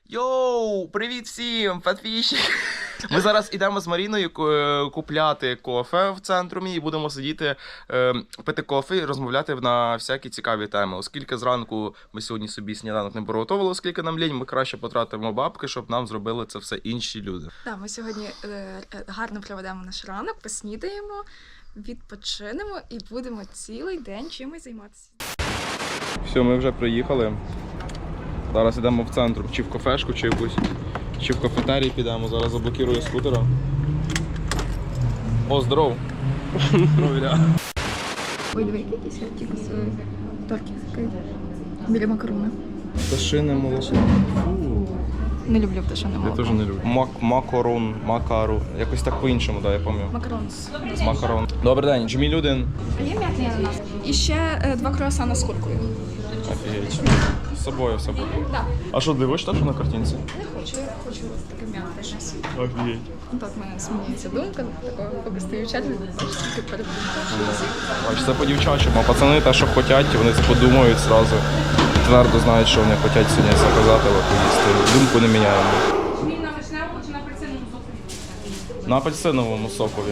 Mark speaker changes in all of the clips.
Speaker 1: Йоу, привіт всім, підписчики! Ми зараз йдемо з Маріною купляти кофе в центрумі і будемо сидіти, пити кофе і розмовляти на всякі цікаві теми. Оскільки зранку ми сьогодні собі сніданок не приготували, оскільки нам лінь, ми краще потратимо бабки, щоб нам зробили це все інші люди.
Speaker 2: Так, ми сьогодні гарно проведемо наш ранок, поснідаємо, відпочинемо і будемо цілий день чимось займатися.
Speaker 1: Все, ми вже приїхали. Зараз йдемо в центр, чи в кафешку, чи в кафетерій підемо. Зараз заблокирую скутера. О, здоров!
Speaker 2: Ой, диви, якийсь тільки з торки біля макарони.
Speaker 1: Пташине молоко.
Speaker 2: Не люблю пташине молоко.
Speaker 1: Я теж не люблю. Макару. Якось так по-іншому, так, я пам'ятаю.
Speaker 2: Макарон.
Speaker 1: З макарон. Добрий день, Джміль один.
Speaker 2: А є м'ятний ананас. І ще 2 круасана з куркою.
Speaker 1: Офігеть. З собою все буде.
Speaker 2: Так.
Speaker 1: А що, дивиш так, що на картинці?
Speaker 2: Не хочу, я хочу таке м'яте щось.
Speaker 1: Офігеть.
Speaker 2: Так в мене змінюється думка, такого поки стою в чаті, бачиш, тільки передумка.
Speaker 1: Бач, це по-дівчачому. А пацани те, що хочуть, вони це подумають зразу. Твердо знають, що вони хочуть сьогодні заказати, або поїсти. Думку не міняємо.
Speaker 2: Він на вишневому чи на апельсиновому сокові?
Speaker 1: На апельсиновому сокові.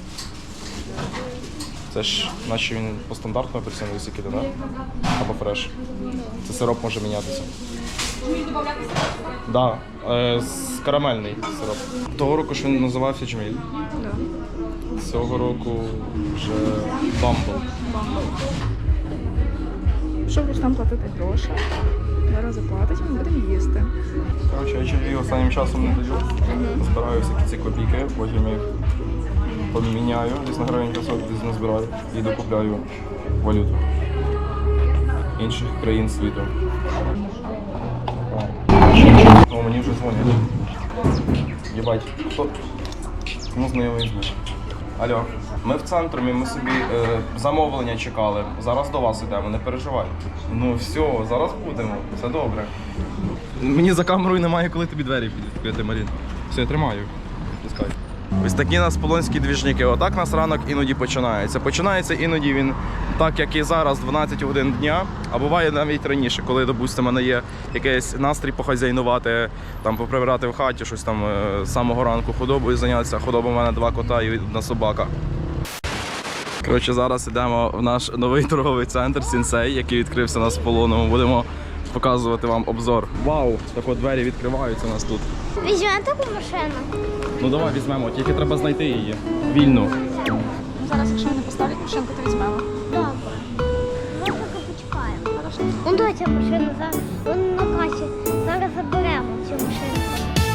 Speaker 1: Це ж, наче він по стандартному апельсиновий сік іде, так? Або фреш. Це сироп може мінятися. Так, карамельний сироп. Того року ж він називався Джміль. Цього року вже Бамбл.
Speaker 2: Щоб Рустам платити гроші, зараз заплатить, ми будемо їсти.
Speaker 1: Коротше, я чоловік останнім часом не даю. Збираю всякі ці копійки, потім їх поміняю, десь на гривень пісок, десь назбираю і докупляю валюту інших країн світу. О, мені вже дзвонять. Єбать, хто? Чому знайомий звук? Алло, ми в центрі, ми собі замовлення чекали. Зараз до вас йдемо, не переживай. Ну все, зараз будемо, все добре. Мені за камерою немає, коли тобі двері підкрити, Марін. Все, я тримаю. Пускай. Ось такі нас полонські двіжники. Отак нас ранок іноді починається. Починається іноді він так, як і зараз, 12 годин дня, а буває навіть раніше, коли, допустимо, мене є якийсь настрій похазяйнувати, там, поприбирати в хаті, щось там з самого ранку худобою зайнятися. Худоба в мене 2 кота і 1 собака. Коротше, зараз йдемо в наш новий торговий центр Сінсей, який відкрився у нас в Полонному. Будемо показувати вам обзор. Вау, так от двері відкриваються у нас тут.
Speaker 3: Візьмемо таку машину?
Speaker 1: Ну давай візьмемо, тільки треба знайти її. Вільну.
Speaker 2: Зараз, якщо вони поставлять машинку, то візьмемо.
Speaker 3: Добре. Ми поки почекаємо. Ну доця машина, зараз вона на касі. Зараз заберемо цю машинку.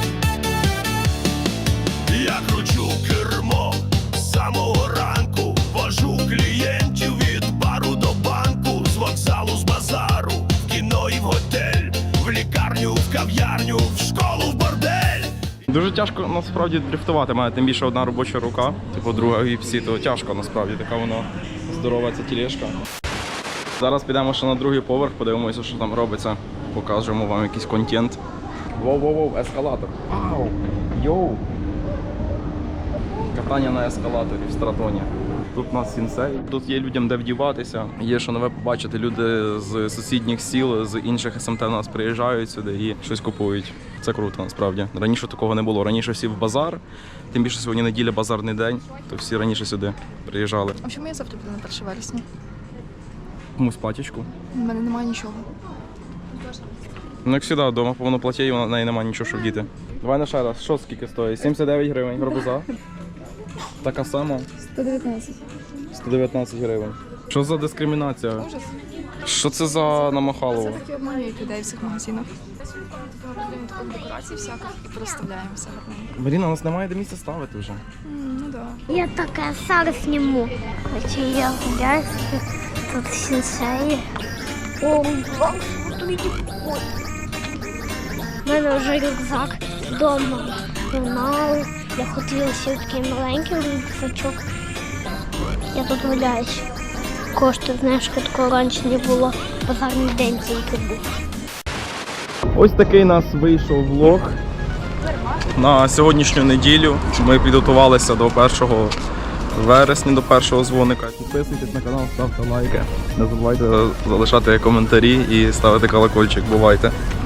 Speaker 4: Я кручу кермо з самого ранку, вожу клієнтів від бару до банку, з вокзалу, з базару, в кіно і в готель, в лікарню, в кав'ярню, в школу, в бордель.
Speaker 1: Дуже тяжко насправді дрифтувати, має тим більше одна робоча рука, типу друга гіпсі, то тяжко насправді, така вона здорова ця тілешка. Зараз підемо ще на другий поверх, подивимося, що там робиться, покажемо вам якийсь контент. Воу-воу-воу, ескалатор. Вау! Йоу! Катання на ескалаторі в Стратоні. Тут у нас Сінсей, тут є людям де вдіватися, є що нове побачити. Люди з сусідніх сіл, з інших СМТ у нас приїжджають сюди і щось купують. Це круто насправді. Раніше такого не було. Раніше всі в базар, тим більше сьогодні неділя, базарний день, то всі раніше сюди приїжджали.
Speaker 2: В общем, я завтра буду на 1 вересня.
Speaker 1: Комусь платічку.
Speaker 2: У мене немає нічого.
Speaker 1: Ну як завжди, вдома повно платє, і в неї немає нічого, що вдіти. Давай на ще раз, що скільки стоїть? 79 гривень, гарбуза. Така сама.
Speaker 2: 119.
Speaker 1: 119 гривень. Що за дискримінація?
Speaker 2: Ужас.
Speaker 1: Що це за намахалово?
Speaker 2: Це такі обманюють людей в цих магазинах. Робимо таку декорації всяких і проставляємо все гарненько.
Speaker 1: Маріна, у нас немає де місця ставити вже.
Speaker 2: Ну да.
Speaker 3: Я таке зараз зніму. Хоча я гуляю, тут сенсеї. О, ой. У мене вже рюкзак вдома. Журнал. Я хотіла ще такий маленький рюкзачок. Я тут гуляюсь. Коштує, знаєш, такого раніше не було. Базарний день тільки був.
Speaker 1: Ось такий у нас вийшов влог на сьогоднішню неділю. Ми підготувалися до 1 вересня, до першого дзвоника. Підписуйтесь на канал, ставте лайки. Не забувайте залишати коментарі і ставити колокольчик. Бувайте!